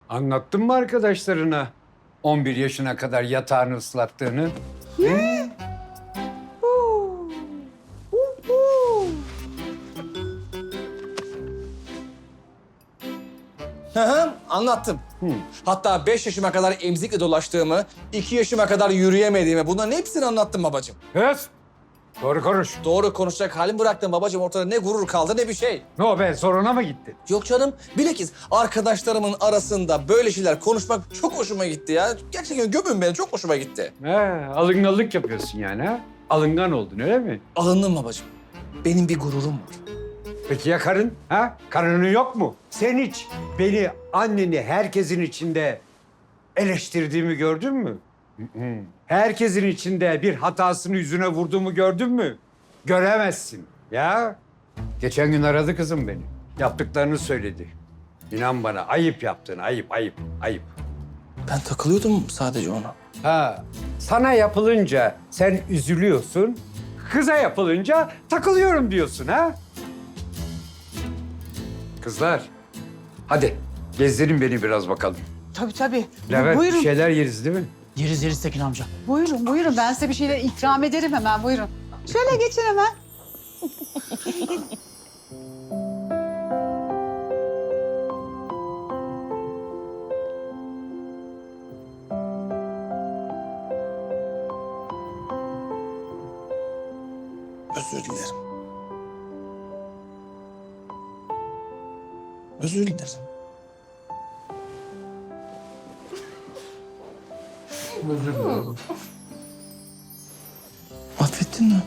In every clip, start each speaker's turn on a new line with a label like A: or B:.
A: Anlattın mı arkadaşlarına 11 yaşına kadar yatağını ıslattığını?
B: Hı hı, anlattım. Hatta 5 yaşıma kadar emzikle dolaştığımı, 2 yaşıma kadar yürüyemediğimi bunların hepsini anlattım babacığım.
A: Kız, doğru konuş.
B: Doğru konuşacak halim bıraktım babacığım. Ortada ne gurur kaldı ne bir şey.
A: Ne o be, soruna mı gittin?
B: Yok canım, bilakis arkadaşlarımın arasında böyle şeyler konuşmak çok hoşuma gitti ya. Gerçekten gömün beni, çok hoşuma gitti.
A: He, alınganlık yapıyorsun yani ha? Alıngan oldun öyle mi?
B: Alındım babacığım. Benim bir gururum var.
A: Peki ya karın? Ha? Karının yok mu? Sen hiç beni, anneni herkesin içinde eleştirdiğimi gördün mü? Herkesin içinde bir hatasını yüzüne vurduğumu gördün mü? Göremezsin ya. Geçen gün aradı kızım beni. Yaptıklarını söyledi. İnan bana ayıp yaptın, ayıp, ayıp, ayıp.
B: Ben takılıyordum sadece ona.
A: Ha, sana yapılınca sen üzülüyorsun, kıza yapılınca takılıyorum diyorsun ha? Kızlar, hadi gezdirin beni biraz bakalım.
C: Tabii tabii.
A: Levent,
C: Buyurun.
A: bir şeyler yeriz değil mi?
D: Yeriz Tekin amca.
C: Buyurun buyurun. Ben size bir şeyler ikram ederim hemen. Buyurun. Şöyle geçin hemen.
B: Özür dilerim. Özür dilerim. Özür dilerim. Affettin mi?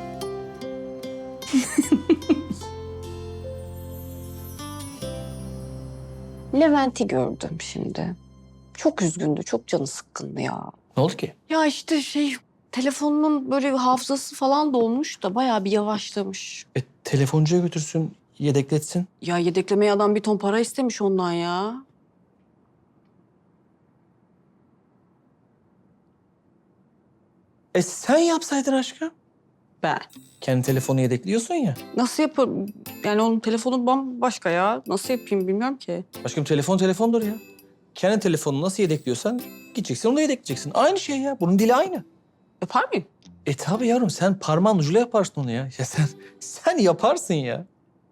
E: Levent'i gördüm şimdi. Çok üzgündü, çok canı sıkkındı ya.
B: Ne oldu ki?
E: Ya işte telefonunun böyle hafızası falan dolmuş da bayağı bir yavaşlamış.
B: Telefoncuya götürsün, yedekletsin.
E: Ya yedeklemeye adam bir ton para istemiş ondan ya.
B: Sen yapsaydın aşkım.
E: Ben.
B: Kendi telefonu yedekliyorsun ya.
E: Nasıl yaparım? Yani onun telefonu bambaşka ya. Nasıl yapayım bilmiyorum ki.
B: Aşkım telefon telefondur ya. Kendi telefonunu nasıl yedekliyorsan gideceksin onu da yedekleyeceksin. Aynı şey ya. Bunun dili aynı.
E: Yapar mıyım?
B: Tabii yavrum sen parmağın ucuyla yaparsın onu ya. Ya sen yaparsın ya.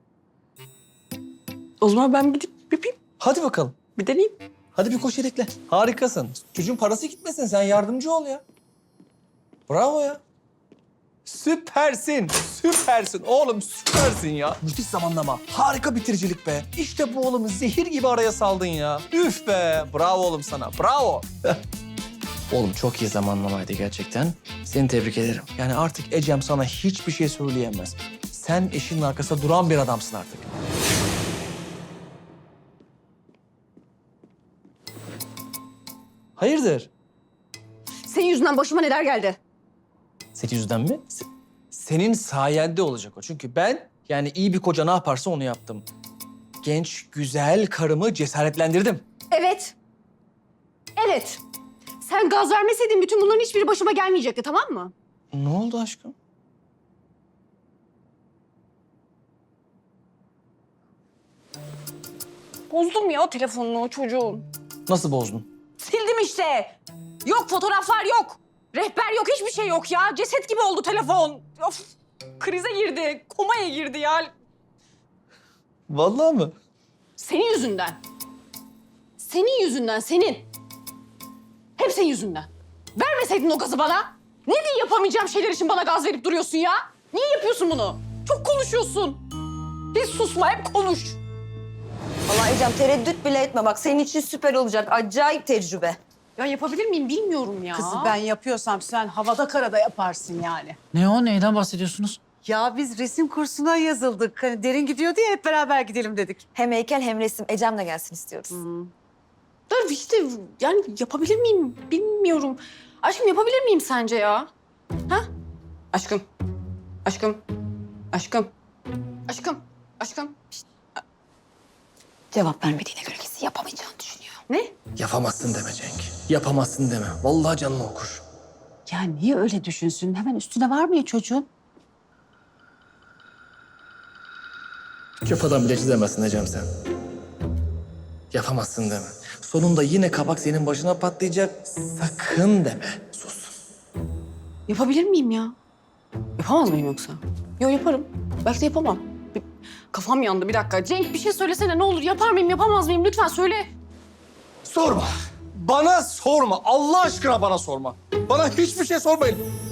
E: O zaman ben gidip yapayım.
B: Hadi bakalım.
E: Bir deneyeyim.
B: Hadi bir koş yedekle. Harikasın. Çocuğun parası gitmesin. Sen yardımcı ol ya. Bravo ya. Süpersin. Süpersin. Oğlum süpersin ya. Müthiş zamanlama. Harika bitiricilik be. İşte bu oğlum zehir gibi araya saldın ya. Üf be. Bravo oğlum sana. Bravo. Oğlum çok iyi zamanlamaydı gerçekten. Seni tebrik ederim. Yani artık Ecem sana hiçbir şey söyleyemez. Sen eşinin arkasında duran bir adamsın artık. Hayırdır?
E: Senin yüzünden başıma neler geldi?
B: Senin yüzünden mi? Senin sayende olacak o. Çünkü ben yani iyi bir koca ne yaparsa onu yaptım. Genç, güzel karımı cesaretlendirdim.
E: Evet. Evet. Sen gaz vermeseydin bütün bunların hiçbiri başıma gelmeyecekti, tamam mı?
B: Ne oldu aşkım?
E: Bozdum ya telefonunu çocuğum.
B: Nasıl bozdun?
E: Sildim işte. Yok fotoğraflar yok. Rehber yok, hiçbir şey yok ya. Ceset gibi oldu telefon. Of, krize girdi, komaya girdi ya.
B: Vallahi mı?
E: Senin yüzünden. Senin yüzünden, senin. Hep senin yüzünden. Vermeseydin o gazı bana. Ne diye yapamayacağım şeyler için bana gaz verip duruyorsun ya? Niye yapıyorsun bunu? Çok konuşuyorsun. Hiç susma, hep konuş.
F: Vallahi Ecem tereddüt bile etme bak senin için süper olacak. Acayip tecrübe.
E: Ya yapabilir miyim bilmiyorum ya.
C: Kızım ben yapıyorsam sen havada karada yaparsın yani.
D: Ne o? Neyden bahsediyorsunuz?
C: Ya biz resim kursuna yazıldık. Hani derin gidiyordu ya hep beraber gidelim dedik.
F: Hem heykel hem resim. Ecem de gelsin istiyoruz.
E: Da işte yani yapabilir miyim bilmiyorum. Aşkım yapabilir miyim sence ya? Ha? Aşkım. Aşkım. Aşkım. Aşkım. Aşkım. Şişt.
F: Cevap vermediğine göre kesin yapamayacağını düşünüyor.
E: Ne?
B: Yapamazsın deme Cenk. Yapamazsın deme. Vallahi canını okur.
C: Ya niye öyle düşünsün? Hemen üstüne var mı ya çocuğun?
B: Çöp adam bile çizemezsin Ecem sen. Yapamazsın deme. Sonunda yine kabak senin başına patlayacak. Sakın deme. Sus.
E: Yapabilir miyim ya? Yapamaz mıyım yoksa? Yok yaparım. Belki de yapamam. Kafam yandı bir dakika. Cenk bir şey söylesene ne olur. Yapar mıyım yapamaz mıyım? Lütfen söyle.
B: Sorma. Bana sorma. Allah aşkına bana sorma. Bana hiçbir şey sormayın.